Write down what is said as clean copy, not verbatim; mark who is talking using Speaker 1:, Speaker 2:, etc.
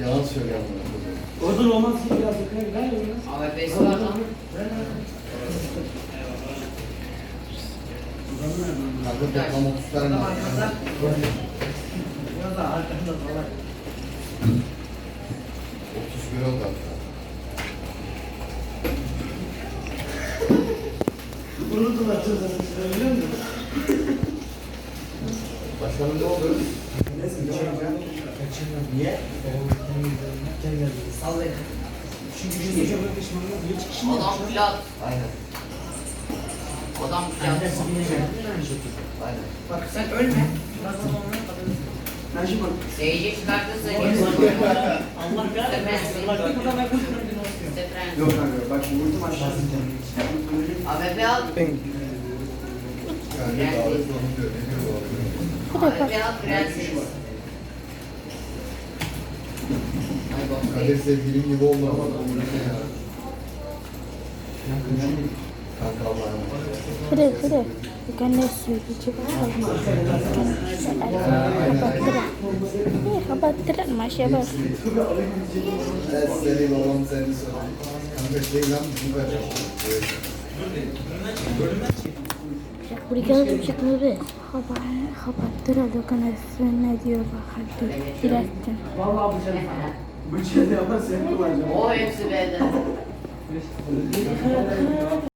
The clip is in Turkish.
Speaker 1: Yalan söylüyorum.
Speaker 2: Oradan olmaz ki biraz yukarı gider mi?
Speaker 3: AWP'si var lan.
Speaker 1: Kanka toplam 30 tane var.
Speaker 2: Burada arkanda falan.
Speaker 1: 31 oldu hatta.
Speaker 2: Unuttular çocuğunu. Biliyor musun?
Speaker 1: Başkanım ne oldu?
Speaker 2: Niye? Sallayın. Çünkü şimdi çok yakışmanlar bir çıkışın
Speaker 3: Adam plat.
Speaker 1: Aynen.
Speaker 3: Adam plat.
Speaker 1: Aynen.
Speaker 3: Bak sen ölme. Birazdan olmaya kadar.
Speaker 2: Ben şimdi bak.
Speaker 3: Seyirci çıkartırsa
Speaker 2: Allah kahretsin. Allah bir kadar bakın. Yok kanka bak şimdi vurdum aşağısını.
Speaker 3: AWP al.
Speaker 1: Kanka davet sorunu diyor. Ne diyor bu abi?
Speaker 3: AWP al prenses. Ay bak.
Speaker 1: Kadir sevgilim gibi oldu ama. Kanka Allah'a emanet.
Speaker 4: Kire. Bukan nasi. Coba kabar terat masya bas.
Speaker 1: Evet, seni babam seni sordu. Kanka şey lan bu kadar.
Speaker 4: Berikan tu cakap lebih. Kabar terat bukan nasi ne diyor bakal tu. Dilatkan.
Speaker 2: Vallahi bıçağı yaparsa hep kullanacağım.
Speaker 3: O hepsi benden.